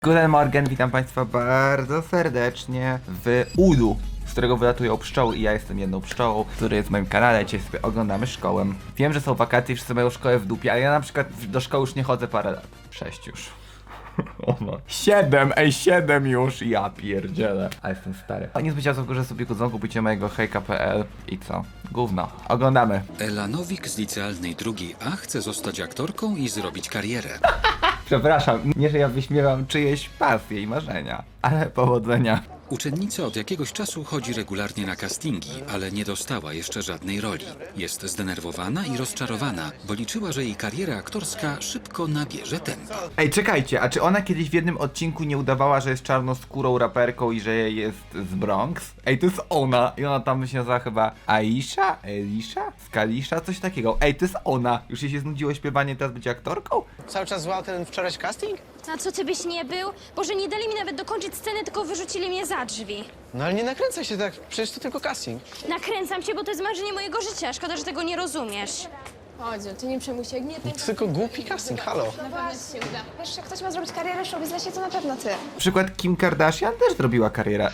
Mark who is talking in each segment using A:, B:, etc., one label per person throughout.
A: Guten Morgen, witam Państwa bardzo serdecznie w ulu, z którego wylatują pszczoły i ja jestem jedną pszczołą, który jest w moim kanale. Dzisiaj sobie oglądamy szkołę. Wiem, że są wakacje i wszyscy mają szkołę w dupie, ale ja na przykład do szkoły już nie chodzę parę lat. 6 już. O no. 7 już, ja pierdzielę. A jestem stary. A nie zbycia że sobie kudzą, kupicie mojego hejka.pl i co? Gówno. Oglądamy.
B: Ela Nowik z licealnej drugiej A chce zostać aktorką i zrobić karierę.
A: Przepraszam, nie że ja wyśmiewam czyjeś pasje i marzenia, ale powodzenia.
B: Uczennica od jakiegoś czasu chodzi regularnie na castingi, ale nie dostała jeszcze żadnej roli. Jest zdenerwowana i rozczarowana, bo liczyła, że jej kariera aktorska szybko nabierze tempa.
A: Ej, czekajcie, a czy ona kiedyś w jednym odcinku nie udawała, że jest czarnoskórą raperką i że jest z Bronx? Ej, to jest ona. I ona tam się nazywa chyba Aisha? Elisha? Skalisha? Coś takiego. Ej, to jest ona. Już jej się znudziło śpiewanie, teraz być aktorką?
C: Cały czas złał ten wczorajszy casting?
D: A co, ty byś nie był? Boże, nie dali mi nawet dokończyć sceny, tylko wyrzucili mnie za drzwi.
C: No ale nie nakręcaj się tak, przecież to tylko casting.
D: Nakręcam się, bo to jest marzenie mojego życia. Szkoda, że tego nie rozumiesz.
E: Chodź, ty nie przejmuj się, jak nie,
C: To tylko głupi casting, halo.
E: na pewno ci się uda. Wiesz, jak ktoś ma zrobić karierę w show biznesie, to na pewno ty.
A: Na przykład Kim Kardashian też zrobiła karierę.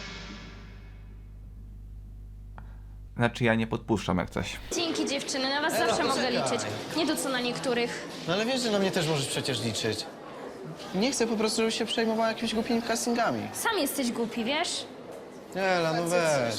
A: Znaczy ja nie podpuszczam jak coś.
D: Dzięki, dziewczyny, na was zawsze mogę liczyć. Nie to co na niektórych.
C: No ale wiesz, że na mnie też możesz przecież liczyć. Nie chcę po prostu, żebyś się przejmowała jakimiś głupimi castingami.
D: Sam jesteś głupi, wiesz?
C: Ela, no weź.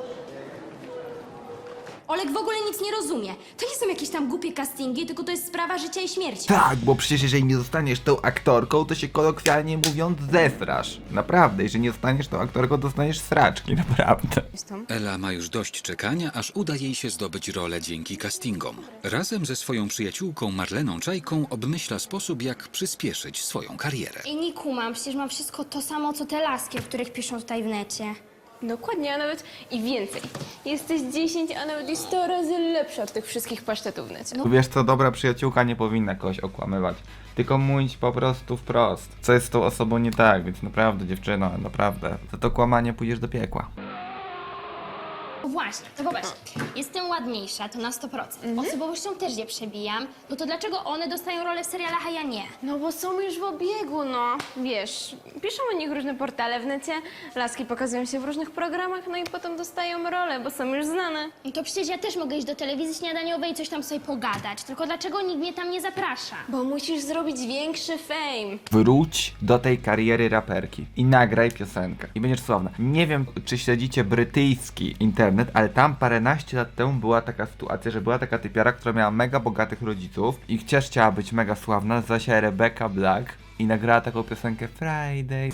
D: Olek w ogóle nic nie rozumie. To nie są jakieś tam głupie castingi, tylko to jest sprawa życia i śmierci.
A: Tak, bo przecież jeżeli nie zostaniesz tą aktorką, to się kolokwialnie mówiąc zesrasz. Naprawdę, jeżeli nie zostaniesz tą aktorką, dostaniesz sraczki, naprawdę.
B: Ela ma już dość czekania, aż uda jej się zdobyć rolę dzięki castingom. Razem ze swoją przyjaciółką Marleną Czajką obmyśla sposób, jak przyspieszyć swoją karierę.
D: I nie kumam, przecież mam wszystko to samo, co te laski, o których piszą tutaj w necie.
E: Dokładnie, a nawet i więcej. Jesteś 10, a nawet i 100 razy lepsza od tych wszystkich pasztetów w necie.
A: Wiesz co, dobra przyjaciółka nie powinna kogoś okłamywać. Tylko mówić po prostu wprost. Co jest z tą osobą nie tak, więc naprawdę dziewczyno, naprawdę. Za to kłamanie pójdziesz do piekła.
D: Właśnie, to popatrz, jestem ładniejsza, to na 100%. Osobowością też je przebijam, no to dlaczego one dostają rolę w serialach, a ja nie?
E: No bo są już w obiegu, no. Wiesz, piszą o nich różne portale w necie, laski pokazują się w różnych programach, no i potem dostają rolę, bo są już znane.
D: No to przecież ja też mogę iść do telewizji śniadaniowej i coś tam sobie pogadać, tylko dlaczego nikt mnie tam nie zaprasza?
E: Bo musisz zrobić większy fame.
A: Wróć do tej kariery raperki i nagraj piosenkę. I będziesz sławna. Nie wiem, czy śledzicie brytyjski internet, ale tam paręnaście lat temu była taka sytuacja, że była taka typiara, która miała mega bogatych rodziców i też chciała być mega sławna, nazywa się Rebecca Black i nagrała taką piosenkę Friday.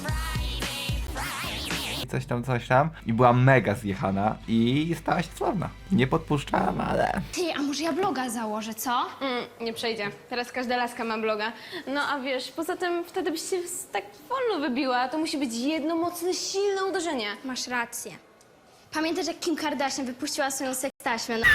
A: Coś tam i była mega zjechana i stała się sławna. Nie podpuszczam, ale...
D: Ty, a może ja bloga założę, co?
E: Nie przejdzie. Teraz każda laska ma bloga. No a wiesz, poza tym wtedy byś się tak wolno wybiła. To musi być jedno mocne, silne uderzenie.
D: Masz rację. Pamiętasz, jak Kim Kardashian wypuściła swoją sekstaśmę? No,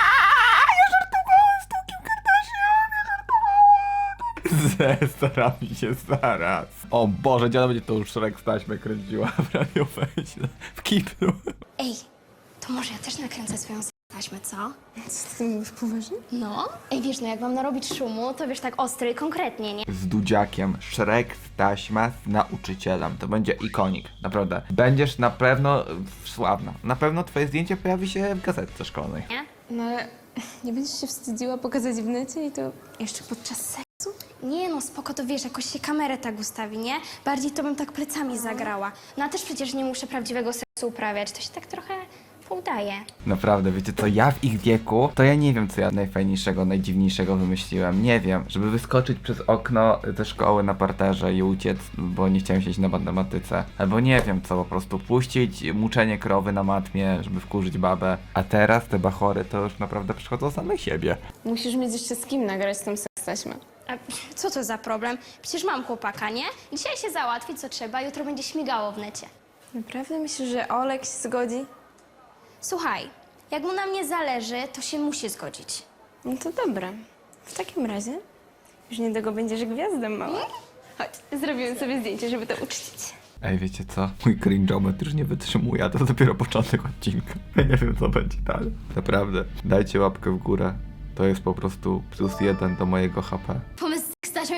A: Zestaram mi się zaraz. O Boże, dziada będzie to już Shrek z taśmę kręciła w radioweźle, w kiblu.
D: ej, to może ja też nakręcę swoją sekstaśmę, co?
E: Co ty mówisz poważnie?
D: No? Ej, wiesz, no jak mam narobić szumu, to wiesz, tak ostry i konkretnie, nie?
A: Z Dudziakiem, Shrek z taśma z nauczycielem. To będzie ikonik, naprawdę. Będziesz na pewno sławna. Na pewno twoje zdjęcie pojawi się w gazetce szkolnej.
D: Nie?
E: No ale nie będziesz się wstydziła pokazać w necie i to jeszcze podczas seksu?
D: Nie no, spoko, to wiesz, jakoś się kamerę tak ustawi, nie? Bardziej to bym tak plecami zagrała. No a też przecież nie muszę prawdziwego seksu uprawiać, to się tak trochę poudaje.
A: Naprawdę, wiecie co, ja w ich wieku, to ja nie wiem, co ja najfajniejszego, najdziwniejszego wymyśliłem. Nie wiem, żeby wyskoczyć przez okno ze szkoły na parterze i uciec, bo nie chciałem siedzieć na matematyce. Albo nie wiem co, po prostu puścić muczenie krowy na matmie, żeby wkurzyć babę. A teraz te bachory to już naprawdę przychodzą same siebie.
E: Musisz mieć jeszcze z kim nagrać tą sekstaśmę.
D: A co to za problem? Przecież mam chłopaka, nie? Dzisiaj się załatwi, co trzeba, jutro będzie śmigało w necie.
E: Naprawdę myślisz, że Olek się zgodzi?
D: Słuchaj, jak mu na mnie zależy, to się musi zgodzić.
E: No to dobra. W takim razie już niedługo będziesz gwiazdą mała. Chodź, zrobiłem sobie zdjęcie, żeby to uczcić.
A: Ej, wiecie co? Mój cringe'ometr już nie wytrzymuje, a to dopiero początek odcinka. Ja nie wiem, co będzie dalej. Naprawdę, dajcie łapkę w górę. To jest po prostu +1 do mojego HP.
D: Pomysł z sekstaśmą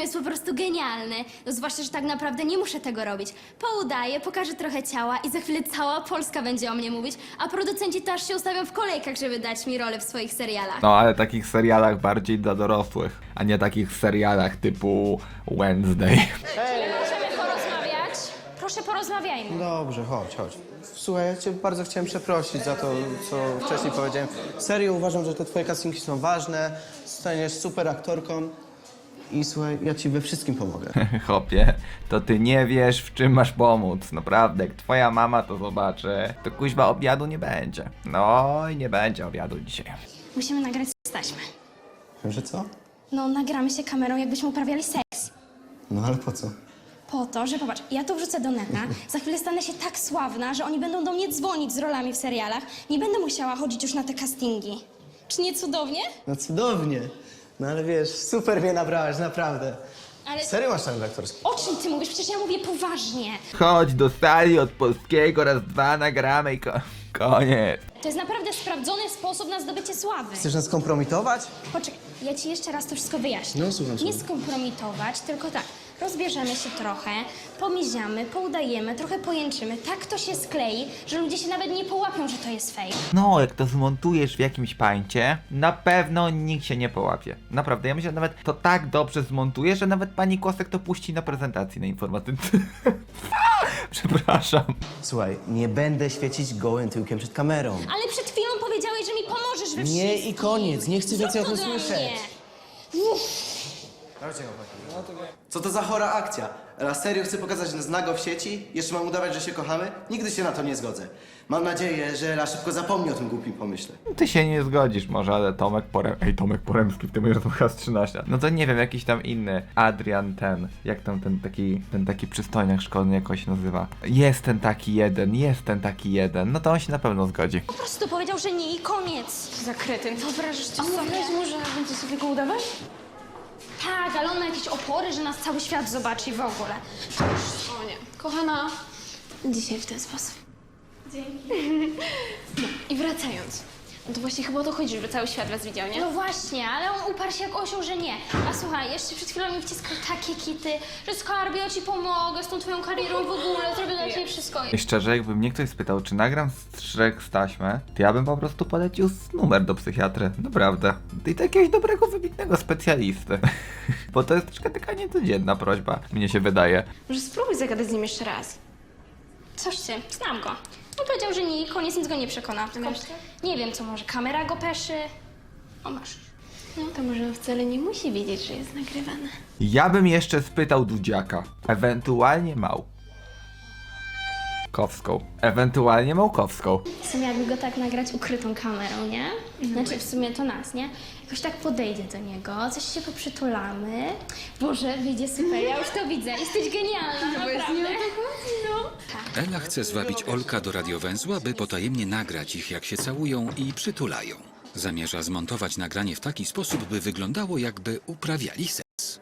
D: jest po prostu genialny. No zwłaszcza, że tak naprawdę nie muszę tego robić. Poudaję, pokażę trochę ciała i za chwilę cała Polska będzie o mnie mówić, a producenci też się ustawią w kolejkach, żeby dać mi rolę w swoich serialach.
A: No ale takich serialach bardziej dla dorosłych, a nie takich serialach typu Wednesday.
D: Możemy porozmawiać? Proszę, porozmawiajmy.
C: Dobrze, chodź. Słuchaj, ja cię bardzo chciałem przeprosić za to, co wcześniej powiedziałem. Serio uważam, że te twoje castingi są ważne, staniesz super aktorką i słuchaj, ja ci we wszystkim pomogę.
A: Chopie, to ty nie wiesz, w czym masz pomóc. Naprawdę, jak twoja mama to zobaczy, to kuźwa obiadu nie będzie. No i nie będzie obiadu dzisiaj.
D: Musimy nagrać taśmę.
C: Że co?
D: No, nagramy się kamerą, jakbyśmy uprawiali seks.
C: No ale po co?
D: Po to, że popatrz, ja to wrzucę do neta, za chwilę stanę się tak sławna, że oni będą do mnie dzwonić z rolami w serialach. Nie będę musiała chodzić już na te castingi. Czy nie cudownie?
C: No cudownie. No ale wiesz, super mnie nabrałaś, naprawdę.
D: Ale
C: Serio masz talent aktorski?
D: o czym ty mówisz? Przecież ja mówię poważnie.
A: Chodź do sali od polskiego, raz, dwa, nagramy i koniec.
D: To jest naprawdę sprawdzony sposób na zdobycie sławy.
C: Chcesz nas kompromitować?
D: Poczekaj, ja ci jeszcze raz to wszystko wyjaśnię.
C: No, słucham,
D: Nie
C: słucham.
D: skompromitować, tylko tak. Rozbierzemy się trochę, pomiziamy, poudajemy, trochę pojęczymy. Tak to się sklei, że ludzie się nawet nie połapią, że to jest fake.
A: No, jak to zmontujesz w jakimś pańcie, na pewno nikt się nie połapie. Naprawdę, ja myślę, że nawet to tak dobrze zmontujesz, że nawet pani Kłosek to puści na prezentacji na informatyce. Przepraszam.
C: Słuchaj, nie będę świecić gołym tyłkiem przed kamerą.
D: Ale przed chwilą powiedziałeś, że mi pomożesz we wszystkim.
C: Nie i koniec, nie chcę więcej o tym
D: Zrób to dla
C: słyszeć.
D: mnie. Uff.
C: Co to za chora akcja? Raz serio chcę pokazać nas nago w sieci? Jeszcze mam udawać, że się kochamy? Nigdy się na to nie zgodzę. Mam nadzieję, że Ela szybko zapomni o tym głupim pomyśle.
A: Ty się nie zgodzisz może, ale Tomek Poremski w tym jest chyba z 13. No to nie wiem, jakiś tam inny Adrian jak tam ten taki przystojniak szkolny jakoś się nazywa. Jest ten taki jeden, no to on się na pewno zgodzi.
D: Po prostu powiedział, że nie i koniec.
E: Za kretyn. Wyobrażasz
D: A
E: sobie?
D: wyobraź
E: mu, że będzie sobie go udawać?
D: Tak, ale on ma jakieś opory, że nas cały świat zobaczy w ogóle.
E: O nie. Kochana, dzisiaj w ten sposób. Dzięki. No i wracając. No to właśnie chyba o to chodzi, żeby cały świat was widział, nie?
D: No właśnie, ale on uparł się jak osioł, że nie. A słuchaj, jeszcze przed chwilą mi wciskał takie kity, że skarbie, ja ci pomogę z tą twoją karierą w ogóle, zrobię dla ciebie wszystko.
A: I szczerze, jakby mnie ktoś spytał, czy nagram Shrek z taśmy, to ja bym po prostu polecił numer do psychiatry. Naprawdę. I do jakiegoś dobrego, wybitnego specjalisty. Bo to jest troszkę taka niecodzienna prośba, mnie się wydaje.
E: Może spróbuj zagadać z nim jeszcze raz.
D: Coś ty, znam go. On powiedział, że nie i koniec, nic go nie przekona. Tylko nie wiem, co może, kamera go peszy. O, masz.
E: No to może on wcale nie musi wiedzieć, że jest nagrywane.
A: Ja bym jeszcze spytał Dudziaka, ewentualnie ewentualnie Małkowską.
D: W sumie jakby go tak nagrać ukrytą kamerą, nie? Znaczy w sumie to nas, nie? Jakoś tak podejdzie do niego, coś się poprzytulamy. Boże, wyjdzie super, ja już to widzę. Jesteś genialna, naprawdę.
B: Ela chce zwabić Olka do radiowęzła, by potajemnie nagrać ich, jak się całują i przytulają. Zamierza zmontować nagranie w taki sposób, by wyglądało, jakby uprawiali seks.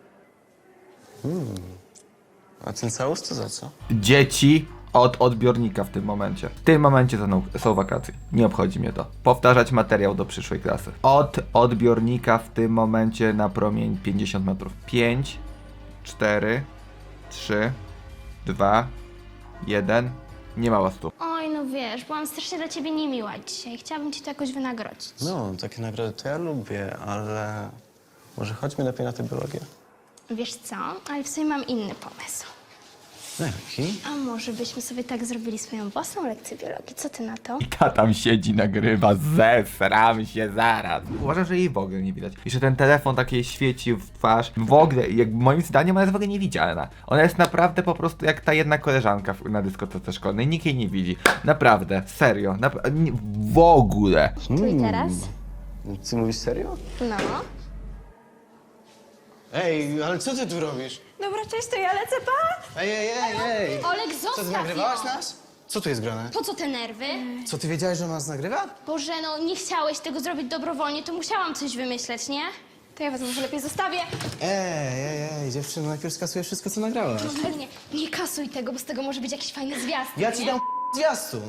C: A ten całus to za co?
A: Dzieci od odbiornika w tym momencie. W tym momencie są wakacje. Nie obchodzi mnie to. Powtarzać materiał do przyszłej klasy. Od odbiornika w tym momencie na promień 50 metrów. 5, 4, 3, 2, 1. Nie ma łastu.
D: Oj, no wiesz, byłam strasznie dla ciebie niemiła dzisiaj. Chciałabym ci to jakoś wynagrodzić.
C: No, takie nagrody to ja lubię, ale może chodźmy lepiej na tę biologię.
D: Wiesz co, ale w sumie mam inny pomysł.
C: Jaki?
D: A może byśmy sobie tak zrobili swoją własną lekcję biologii? Co ty na to?
A: I ta tam siedzi, nagrywa, zesram się zaraz. Uważam, że jej w ogóle nie widać. I że ten telefon tak jej świeci w twarz. W ogóle, jak moim zdaniem ona jest w ogóle niewidzialna. Ona jest naprawdę po prostu jak ta jedna koleżanka na dyskotece szkolnej. Nikt jej nie widzi. Naprawdę, serio. W ogóle.
D: Tu i teraz?
C: Ty mówisz serio?
D: No.
C: Ej, ale co ty tu robisz?
E: Dobra, cześć, to ja lecę, pa!
C: Ej!
D: Olek,
C: Co, ty
D: zostaw
C: nagrywałaś
D: ją!
C: nas? Co tu jest grane?
D: Po co te nerwy?
C: Co, ty wiedziałeś, że ona nas nagrywa?
D: Boże, no nie chciałeś tego zrobić dobrowolnie, to musiałam coś wymyśleć, nie?
E: To ja was może lepiej zostawię.
C: Ej, dziewczyno, najpierw skasujesz wszystko, co nagrałaś.
D: No nie kasuj tego, bo z tego może być jakiś fajny zwiastun,
C: Ja ci
D: nie?
C: dam zwiastun.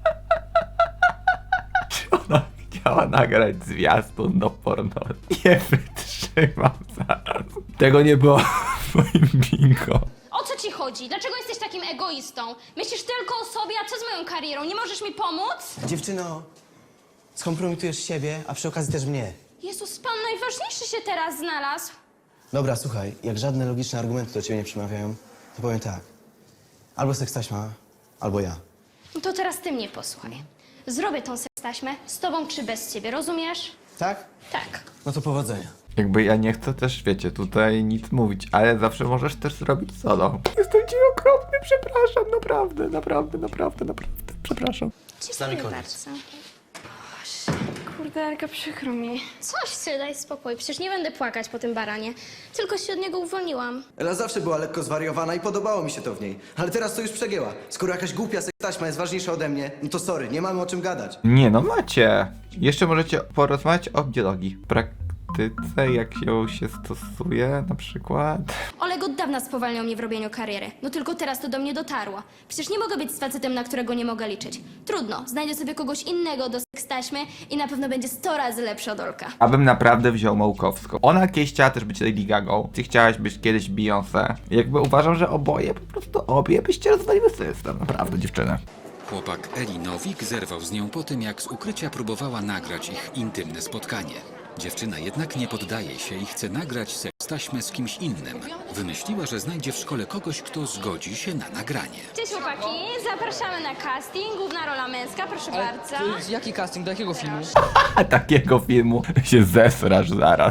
A: Ona chciała nagrać zwiastun do porno. Nie wytrzymam zaraz. Tego nie było w twoim bingo.
D: O co ci chodzi? Dlaczego jesteś takim egoistą? Myślisz tylko o sobie, a co z moją karierą? Nie możesz mi pomóc?
C: Dziewczyno, skompromitujesz siebie, a przy okazji też mnie.
D: Jezus, pan najważniejszy się teraz znalazł.
C: Dobra, słuchaj, jak żadne logiczne argumenty do ciebie nie przemawiają, to powiem tak. Albo sekstaśma, albo ja.
D: No to teraz ty mnie posłuchaj. Zrobię tą sekstaśmę z tobą czy bez ciebie, rozumiesz?
C: Tak?
D: Tak.
C: No to powodzenia.
A: Jakby ja nie chcę też, wiecie, tutaj nic mówić, ale zawsze możesz też zrobić solo. Jestem ci okropny, przepraszam, naprawdę, przepraszam.
C: Z nami koniec.
D: Bardzo.
E: Kurde, Elka, przykro mi.
D: Coś ty, daj spokój. Przecież nie będę płakać po tym baranie. Tylko się od niego uwolniłam.
C: Ela zawsze była lekko zwariowana i podobało mi się to w niej. Ale teraz to już przegięła. Skoro jakaś głupia sektaśma jest ważniejsza ode mnie, no to sorry, nie mamy o czym gadać.
A: Nie no, macie. Jeszcze możecie porozmawiać o biologii. W praktyce, jak się stosuje na przykład.
D: Oleg od dawna spowalniał mnie w robieniu kariery. No tylko teraz to do mnie dotarło. Przecież nie mogę być z facetem, na którego nie mogę liczyć. Trudno, znajdę sobie kogoś innego do sekstaśmy i na pewno będzie 100 razy lepszy od Olka.
A: Abym naprawdę wziął Małkowską. Ona kiedyś chciała też być Lady Gagą. Ty chciałaś być kiedyś Beyoncé. Jakby uważam, że obie byście rozwaliły system. Naprawdę, dziewczyny.
B: Chłopak Eli Nowik zerwał z nią po tym, jak z ukrycia próbowała nagrać ich intymne spotkanie. Dziewczyna jednak nie poddaje się i chce nagrać sekstaśmę z kimś innym. Wymyśliła, że znajdzie w szkole kogoś, kto zgodzi się na nagranie.
D: Cześć chłopaki, zapraszamy na casting. Główna rola męska, proszę bardzo.
F: To jest jaki casting, do jakiego filmu?
A: A takiego filmu się zesrasz zaraz.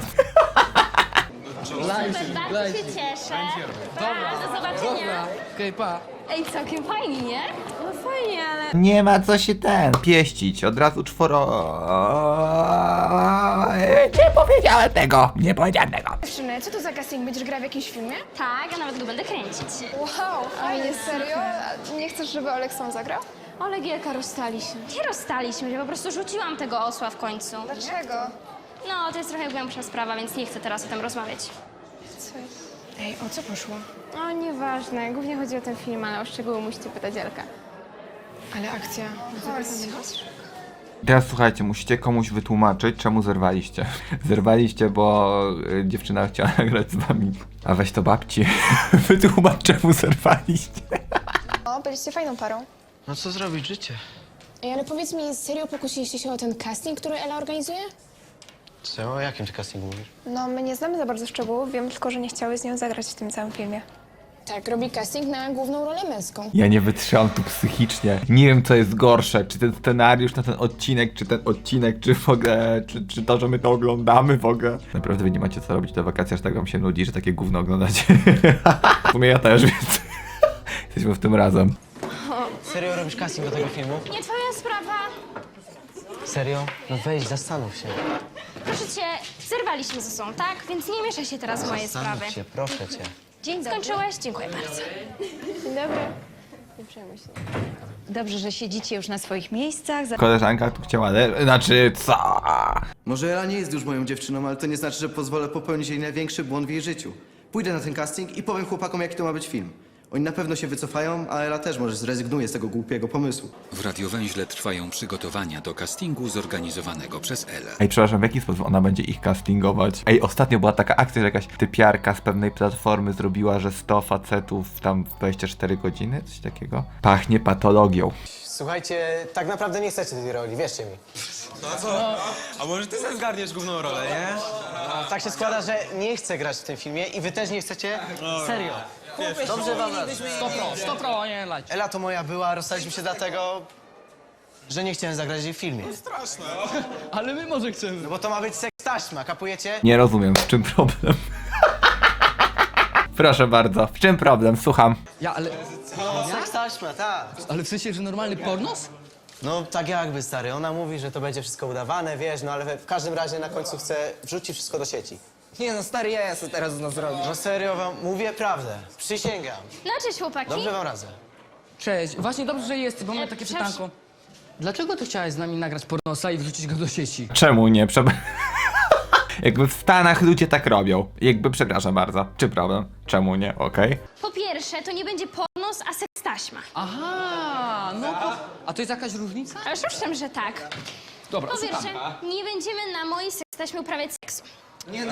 D: Bardzo się cieszę. Pa, do zobaczenia.
F: Dobra, okej, pa.
D: Ej, całkiem fajnie, nie?
E: No fajnie, ale...
A: Nie ma co się pieścić. Od razu Nie powiedziałem tego. Nie powiedziałem tego.
E: Dziewczyny, co to za casting? Będziesz grała w jakimś filmie?
D: Tak, a nawet go będę kręcić.
E: Wow, fajnie, serio? A nie chcesz, żeby Olek sam zagrał?
D: Oleg i Elka rozstali się. Nie rozstaliśmy się, po prostu rzuciłam tego osła w końcu.
E: Dlaczego?
D: No, to jest trochę głębsza sprawa, więc nie chcę teraz o tym rozmawiać.
E: Co jest? Ej, o co poszło? O, nieważne. Głównie chodzi o ten film, ale o szczegóły musicie pytać Elka. Ale akcja... Chodź.
A: Teraz słuchajcie, musicie komuś wytłumaczyć, czemu zerwaliście. Zerwaliście, bo dziewczyna chciała nagrać z wami. A weź to babci. Wytłumacz, czemu zerwaliście.
G: O, byliście fajną parą.
C: No co zrobić, życie?
G: Ej, ale powiedz mi, serio pokusiliście się o ten casting, który Ela organizuje?
C: Co? O jakim ty castingu mówisz?
E: No, my nie znamy za bardzo szczegółów, wiem tylko, że nie chciały z nią zagrać w tym całym filmie.
G: Tak, robi casting na główną rolę męską.
A: Ja nie wytrzymam tu psychicznie. Nie wiem, co jest gorsze. Czy ten scenariusz na ten odcinek, czy w ogóle, czy to, że my to oglądamy w ogóle. Naprawdę wy nie macie co robić do wakacji, aż tak wam się nudzi, że takie gówno oglądacie. W sumie ja też, więc jesteśmy w tym razem.
C: Serio robisz casting do tego filmu?
D: Nie twoja sprawa.
C: Serio? No weź, zastanów się.
D: Proszę cię, zerwaliśmy ze sobą, tak? Więc nie mieszaj się teraz w moje sprawy.
C: Zastanów się, proszę cię.
D: Dzień skończyłeś? Dziękuję bardzo.
E: Dzień dobry. Nie przejmuj się.
H: Dobrze, że siedzicie już na swoich miejscach.
A: Koleżanka tu chciała, znaczy co?
C: Może Ela nie jest już moją dziewczyną, ale to nie znaczy, że pozwolę popełnić jej największy błąd w jej życiu. Pójdę na ten casting i powiem chłopakom, jaki to ma być film. Oni na pewno się wycofają, a Ela też może zrezygnuje z tego głupiego pomysłu.
B: W Radiowęźle trwają przygotowania do castingu zorganizowanego przez Elę.
A: Ej, przepraszam, w jaki sposób ona będzie ich castingować? Ej, ostatnio była taka akcja, że jakaś typiarka z pewnej platformy zrobiła, że 100 facetów tam w 24 godziny, coś takiego. Pachnie patologią.
I: Słuchajcie, tak naprawdę nie chcecie tej roli, wierzcie mi.
J: A może ty sobie zgarniesz główną rolę, nie?
I: Tak się składa, że nie chcę grać w tym filmie i wy też nie chcecie. Serio. Dobrze wam radzę.
F: 100 nie lać.
I: Ela to moja była, rozstaliśmy się dlatego, że nie chciałem zagrać jej w filmie.
F: Ale my może chcemy.
I: No bo to ma być seks taśma, kapujecie?
A: Nie rozumiem, w czym problem? Proszę bardzo, w czym problem? Słucham.
F: Ja, ale...
I: Seks taśma, tak.
F: Ale w sensie, że normalny pornos?
I: No tak jakby, stary. Ona mówi, że to będzie wszystko udawane, wiesz, no ale w każdym razie na końcu chce wrzucić wszystko do sieci.
F: Nie no, stary, ja co teraz z nas zrobić.
I: No serio wam mówię prawdę. Przysięgam.
D: No cześć chłopaki.
I: Dobrze wam radzę.
F: Cześć, właśnie dobrze, że jesteś, bo mam takie
D: przepraszam.
F: pytanko. Dlaczego ty chciałeś z nami nagrać pornosa i wrzucić go do sieci?
A: Czemu nie? Jakby w Stanach ludzie tak robią. Jakby, przepraszam bardzo. Czy problem? Czemu nie? Okej.
D: Po pierwsze, to nie będzie pornos, a sekstaśma.
F: Aha, no to... A to jest jakaś różnica?
D: Ale owszem, że tak.
F: Dobra,
D: Po
F: słucham.
D: pierwsze, nie będziemy na mojej sekstaśmie uprawiać seksu.
C: Nie no,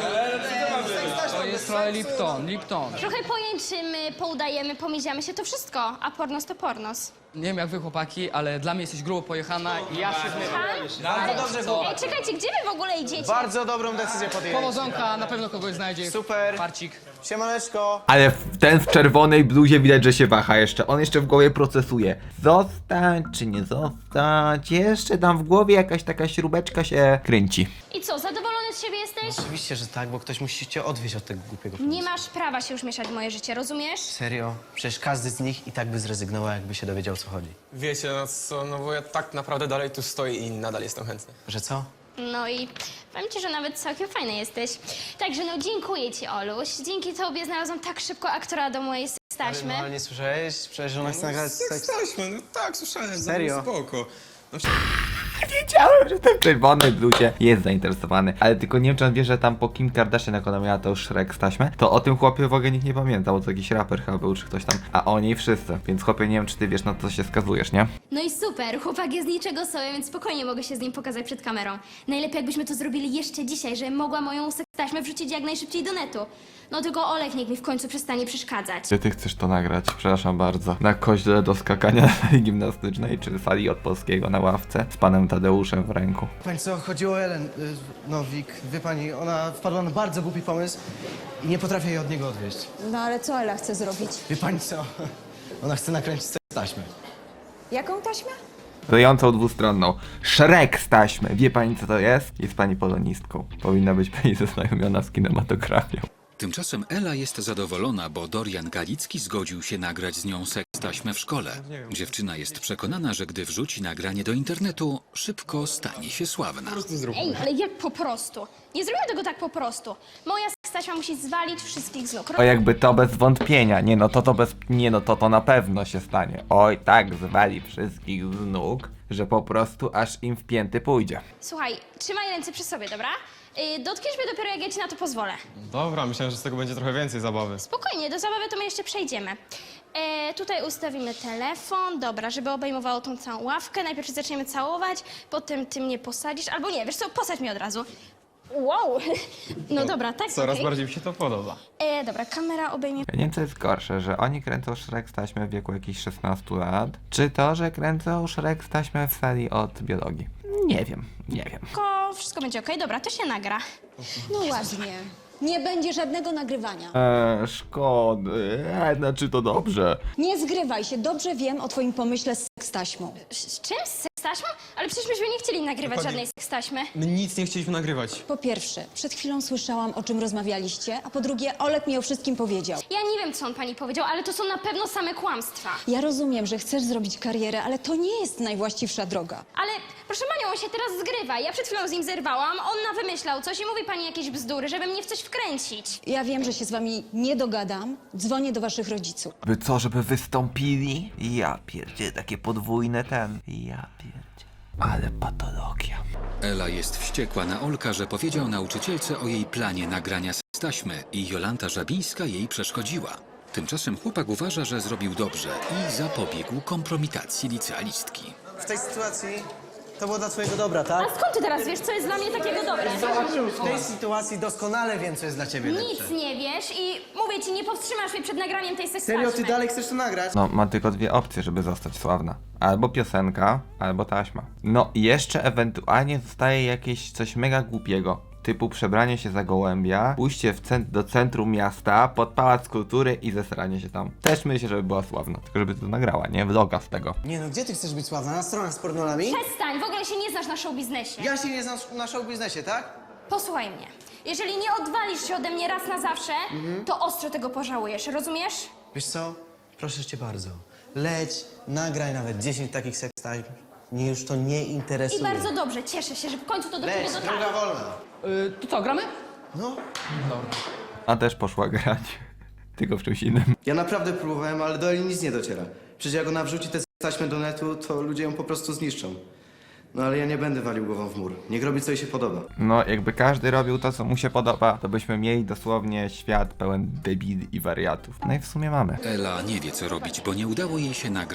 F: To jest trochę Lipton.
D: Trochę pojęczymy, poudajemy, pomiziamy się, to wszystko. A pornos to pornos.
F: Nie wiem jak wy chłopaki, ale dla mnie jesteś grubo pojechana i ja się
C: Bardzo dobrze było.
D: Ej, czekajcie, gdzie wy w ogóle idziecie?
C: Bardzo dobrą decyzję podjęliście.
F: Powodzonka, na pewno kogoś znajdzie.
C: Super.
F: Farcik.
C: Siemaneczko.
A: Ale ten w czerwonej bluzie widać, że się waha jeszcze. On jeszcze w głowie procesuje. Zostać czy nie zostać? Jeszcze tam w głowie jakaś taka śrubeczka się kręci.
D: I co, zadowolony z siebie jesteś?
I: Oczywiście, że tak, bo ktoś musi cię odwieźć od tego głupiego
D: Nie
I: pomysłu.
D: masz prawa się już mieszać w moje życie, rozumiesz?
I: Serio? Przecież każdy z nich i tak by zrezygnował, jakby się dowiedział, o co chodzi.
J: Wiecie, no co, no bo ja tak naprawdę dalej tu stoję i nadal jestem chętny.
I: Że co?
D: No i powiem ci, że nawet całkiem fajny jesteś. Także no dziękuję ci, Oluś. Dzięki tobie znalazłam tak szybko aktora do mojej taśmy.
I: No, ale nie słyszałeś? Przecież ona chce nagrać seks.
J: Taśmy, no tak, słyszałem.
I: Serio?
J: Spoko. No,
A: Wiedziałem, że ten w czerwonej bluzie jest zainteresowany. Ale tylko nie wiem, czy on wie, że tam po Kim Kardashian, jak ona miała to już Shrek z taśmę, to o tym chłopie w ogóle nikt nie pamiętał, bo to jakiś raper chyba był, czy ktoś tam. A o niej wszyscy. Więc chłopie, nie wiem, czy ty wiesz, na co się skazujesz, nie?
D: No i super, chłopak jest niczego sobie, więc spokojnie mogę się z nim pokazać przed kamerą. Najlepiej jakbyśmy to zrobili jeszcze dzisiaj, żebym mogła moją sekstaśmę wrzucić jak najszybciej do netu. No tylko Olek niech mi w końcu przestanie przeszkadzać.
A: Czy ty chcesz to nagrać? Przepraszam bardzo. Na koźle do skakania na sali gimnastycznej, czy sali od polskiego na ławce z panem Tadeuszem w ręku.
C: Pani co, chodziło o Ellen, no Wik, wie pani, ona wpadła na bardzo głupi pomysł i nie potrafię jej od niego odwieźć.
H: No ale co Ela chce zrobić?
C: Wie pani co, ona chce nakręcić taśmę.
H: Jaką taśmę?
A: Klejącą dwustronną. Shrek z taśmy. Wie pani, co to jest? Jest pani polonistką. Powinna być pani zaznajomiona z kinematografią.
B: Tymczasem Ela jest zadowolona, bo Dorian Galicki zgodził się nagrać z nią seks taśmę w szkole. Dziewczyna jest przekonana, że gdy wrzuci nagranie do internetu, szybko stanie się sławna.
D: Ej, ale jak po prostu? Nie zrobię tego tak po prostu. Moja sekstaśma musi zwalić wszystkich z nóg.
A: O, jakby to bez wątpienia. Nie no, to bez... Nie no, to na pewno się stanie. Oj, tak zwali wszystkich z nóg, że po prostu aż im w pięty pójdzie.
D: Słuchaj, trzymaj ręce przy sobie, dobra? Dotkniesz mnie dopiero jak ja ci na to pozwolę.
J: Dobra, myślałem, że z tego będzie trochę więcej zabawy.
D: Spokojnie, do zabawy to my jeszcze przejdziemy. Tutaj ustawimy telefon, dobra, żeby obejmowało tą całą ławkę. Najpierw się zaczniemy całować, potem ty mnie posadzisz, albo nie, wiesz co, posadź mnie od razu. Wow, no dobra, tak,
J: Coraz
D: okej.
J: bardziej mi się to podoba.
D: Dobra, kamera obejmie...
A: Ja nie wiem, co jest gorsze, że oni kręcą Shrek z taśmy w wieku jakichś 16 lat, czy to, że kręcą Shrek z taśmy w sali od biologii. Nie wiem.
D: Wszystko będzie okej, dobra, to się nagra.
H: No ładnie. Nie będzie żadnego nagrywania.
A: Szkody. Znaczy to dobrze.
H: Nie zgrywaj się, dobrze wiem o twoim pomyśle z sekstaśmą.
D: Z czym? Z sekstaśmą? Ale przecież myśmy nie chcieli nagrywać żadnej sekstaśmy.
J: My nic nie chcieliśmy nagrywać.
H: Po pierwsze, przed chwilą słyszałam, o czym rozmawialiście, a po drugie, Olek mi o wszystkim powiedział.
D: Ja nie wiem, co on pani powiedział, ale to są na pewno same kłamstwa.
H: Ja rozumiem, że chcesz zrobić karierę, ale to nie jest najwłaściwsza droga.
D: Ale proszę panią, on się teraz zgrywa. Ja przed chwilą z nim zerwałam, on wymyślał coś i mówi pani jakieś bzdury, żeby mnie w coś wkręcić.
H: Ja wiem, że się z wami nie dogadam. Dzwonię do waszych rodziców.
A: By co, żeby wystąpili? Ja pierdzie, takie podwójne ten. Ja pierdzie. Ale patologia.
B: Ela jest wściekła na Olka, że powiedział nauczycielce o jej planie nagrania seks taśmy i Jolanta Żabińska jej przeszkodziła. Tymczasem chłopak uważa, że zrobił dobrze i zapobiegł kompromitacji licealistki.
C: W tej sytuacji to było dla twojego dobra, tak?
D: A skąd ty teraz wiesz, co jest dla mnie takiego dobre?
C: W tej sytuacji doskonale wiem, co jest dla ciebie lepsze.
D: Nic nie wiesz i mówię ci, nie powstrzymasz mnie przed nagraniem tej sekstaśmy.
C: Serio, ty dalej chcesz to nagrać?
A: No, ma tylko dwie opcje, żeby zostać sławna. Albo piosenka, albo taśma. No i jeszcze ewentualnie zostaje jakieś coś mega głupiego. Typu przebranie się za gołębia, pójście do centrum miasta, pod Pałac Kultury i zesranie się tam. Też myślę, żeby była sławna, tylko żeby to nagrała, nie? Vloga z tego.
C: Nie no, gdzie ty chcesz być sławna? Na stronach z pornolami?
D: Przestań, w ogóle się nie znasz na showbiznesie.
C: Ja się nie znam na show biznesie, tak?
D: Posłuchaj mnie. Jeżeli nie odwalisz się ode mnie raz na zawsze, to ostro tego pożałujesz, rozumiesz?
C: Wiesz co? Proszę cię bardzo. Leć, nagraj nawet 10 takich sekstań. Mnie już to nie interesuje.
D: I bardzo dobrze, cieszę się, że w końcu to do ciebie
C: Leć,
D: dotarło.
C: droga wolna.
F: To co, gramy?
C: No.
A: A też poszła grać. Tylko w czymś innym.
C: Ja naprawdę próbowałem, ale do Eli nic nie dociera. Przecież jak ona wrzuci tę taśmę do netu, to ludzie ją po prostu zniszczą. No ale ja nie będę walił głową w mur. Niech robi, co jej się podoba.
A: No, jakby każdy robił to, co mu się podoba, to byśmy mieli dosłownie świat pełen debili i wariatów. No i w sumie mamy.
B: Ela nie wie, co robić, bo nie udało jej się nagrać seks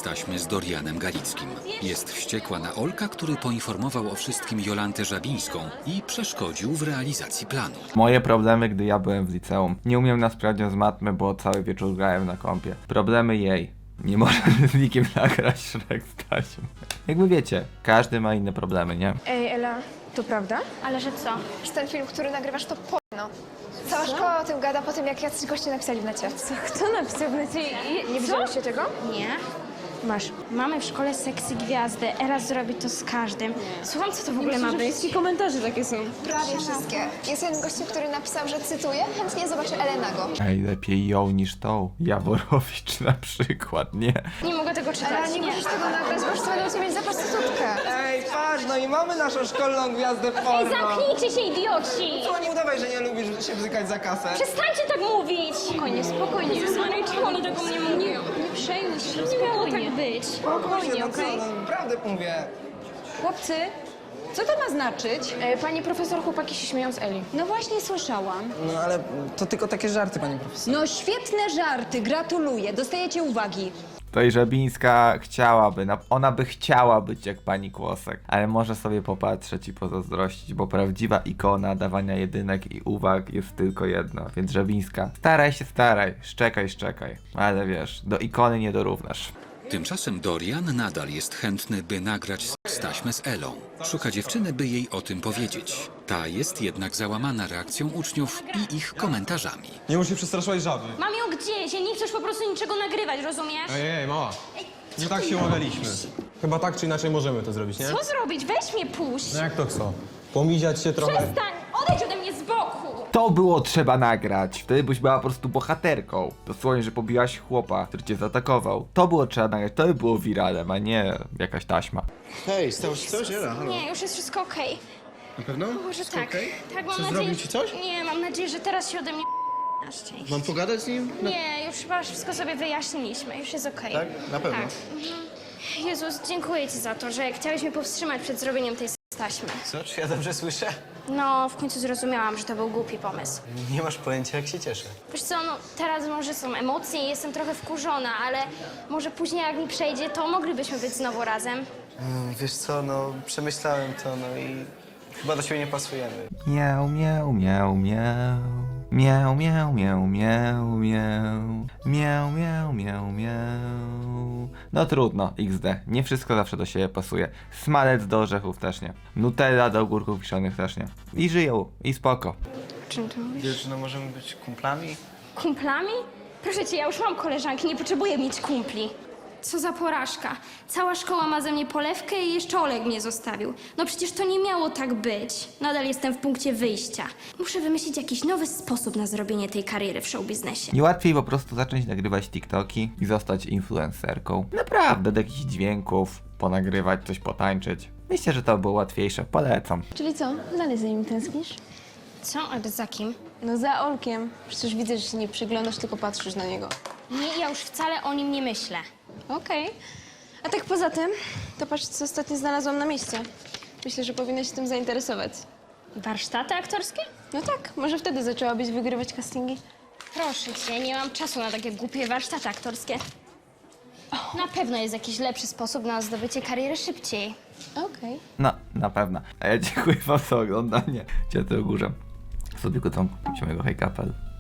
B: taśmy z Dorianem Galickim. Jest wściekła na Olka, który poinformował o wszystkim Jolantę Żabińską i przeszkodził w realizacji planu.
A: Moje problemy, gdy ja byłem w liceum. Nie umiem na sprawdzian z matmy, bo cały wieczór grałem na kompie. Problemy jej. Nie może z nikim nagrać Shrek z taśmą. Jakby wiecie, każdy ma inne problemy, nie?
E: Ej, Ela, to prawda?
D: Ale że co?
E: Że ten film, który nagrywasz, to porno. Cała szkoła o tym gada po tym, jak jacyś goście napisali w necie. Co? Kto napisał w necie? Nie widzieliście tego?
D: Nie.
E: Masz.
D: Mamy w szkole seksy gwiazdy. Eras zrobi to z każdym. Słucham, co to w ogóle ma być?
E: Wszystkie komentarze takie są. Prawie wszystkie. Jest jeden gościu, który napisał, że cytuję, chętnie zobaczę Elę nago.
A: Ej, lepiej ją niż tą. Jaworowicz na przykład, nie?
D: Nie mogę tego
E: Ale
D: czytać.
E: nie możesz tego nagrać, bo już to będą ciebie za prostytutkę.
C: Ej, patrz, no i mamy naszą szkolną gwiazdę porno.
D: Zamknijcie się, idioci!
C: To nie udawaj, że nie lubisz się bzykać za kasę.
D: Przestańcie tak mówić!
E: Spokojnie, spokojnie.
D: Jezus Maria, czemu one tego mnie mówią?
E: Nie przejmuj się,
D: Nie miało tak być.
C: Spokojnie, no co, no naprawdę mówię.
H: Chłopcy, co to ma znaczyć?
E: Pani profesor, chłopaki się śmieją z Eli.
H: No właśnie słyszałam.
C: No ale to tylko takie żarty, pani profesor.
H: No świetne żarty, gratuluję, dostajecie uwagi.
A: To i Żabińska chciałaby, ona by chciała być jak pani Kłosek, ale może sobie popatrzeć i pozazdrościć, bo prawdziwa ikona dawania jedynek i uwag jest tylko jedna. Więc Żabińska, staraj, szczekaj, ale wiesz, do ikony nie dorównasz.
B: Tymczasem Dorian nadal jest chętny, by nagrać seks taśmę z Elą. Szuka dziewczyny, by jej o tym powiedzieć. Ta jest jednak załamana reakcją uczniów i ich komentarzami.
J: Nie musisz przestraszyć żaby.
D: Mam ją gdzieś, ja nie chcesz po prostu niczego nagrywać, rozumiesz?
J: Ej, mała. Nie tak się umawialiśmy. Chyba tak czy inaczej możemy to zrobić, nie?
D: Co zrobić? Weź mnie puść!
J: No jak to co? Pomiziać się trochę.
D: Przestań! Odejdź ode mnie z boku!
A: To było trzeba nagrać, wtedy byś była po prostu bohaterką. Dosłownie, że pobiłaś chłopa, który cię zaatakował. To było trzeba nagrać, to by było wiralem, a nie jakaś taśma.
C: Hej, stało się coś? Ela, halo.
D: Nie, już jest wszystko okej.
C: Na pewno?
D: Może tak.
C: okej?
D: Tak, mam
C: Co,
D: nadzieję.
C: zrobił ci coś?
D: Nie, mam nadzieję, że teraz się ode mnie na szczęście.
C: Mam pogadać z nim?
D: Nie, już chyba wszystko sobie wyjaśniliśmy, już jest okej.
C: Tak? Na pewno?
D: Tak. Jezus, dziękuję ci za to, że chciałeś mnie powstrzymać przed zrobieniem tej taśmy.
I: Co, czy ja dobrze słyszę?
D: No, w końcu zrozumiałam, że to był głupi pomysł.
I: Nie masz pojęcia, jak się cieszę.
D: Wiesz co, no teraz może są emocje i jestem trochę wkurzona, ale może później jak mi przejdzie, to moglibyśmy być znowu razem.
I: Wiesz co, no przemyślałem to, no i chyba do siebie nie pasujemy.
A: Miau, miau, miau, miau. Miau, miau, miau, miau, miau. Miau, miau, miau, miau. No trudno, XD. Nie wszystko zawsze do siebie pasuje. Smalec do orzechów też nie. Nutella do ogórków kiszonych też nie. I żyją, i spoko.
D: Czym ty mówisz?
I: Wiesz, no możemy być kumplami?
D: Kumplami? Proszę cię, ja już mam koleżanki, nie potrzebuję mieć kumpli. Co za porażka. Cała szkoła ma ze mnie polewkę i jeszcze Oleg mnie zostawił. No przecież to nie miało tak być. Nadal jestem w punkcie wyjścia. Muszę wymyślić jakiś nowy sposób na zrobienie tej kariery w showbiznesie.
A: Nie łatwiej po prostu zacząć nagrywać TikToki i zostać influencerką. Naprawdę, do jakichś dźwięków, ponagrywać, coś potańczyć. Myślę, że to było łatwiejsze. Polecam.
E: Czyli co? Dalej za nim tęsknisz?
D: Co? Ale za kim?
E: No za Olkiem. Przecież widzę, że się nie przyglądasz, tylko patrzysz na niego.
D: Nie, ja już wcale o nim nie myślę.
E: Okej. A tak poza tym, to patrz, co ostatnio znalazłam na mieście. Myślę, że powinnaś się tym zainteresować.
D: Warsztaty aktorskie?
E: No tak, może wtedy zaczęłabyś wygrywać castingi.
D: Proszę cię, nie mam czasu na takie głupie warsztaty aktorskie. Na pewno jest jakiś lepszy sposób na zdobycie kariery szybciej.
E: Okej.
A: No, na pewno. A ja dziękuję wam za oglądanie. Cię to górze. Sobie go tam, mojego hejkapel.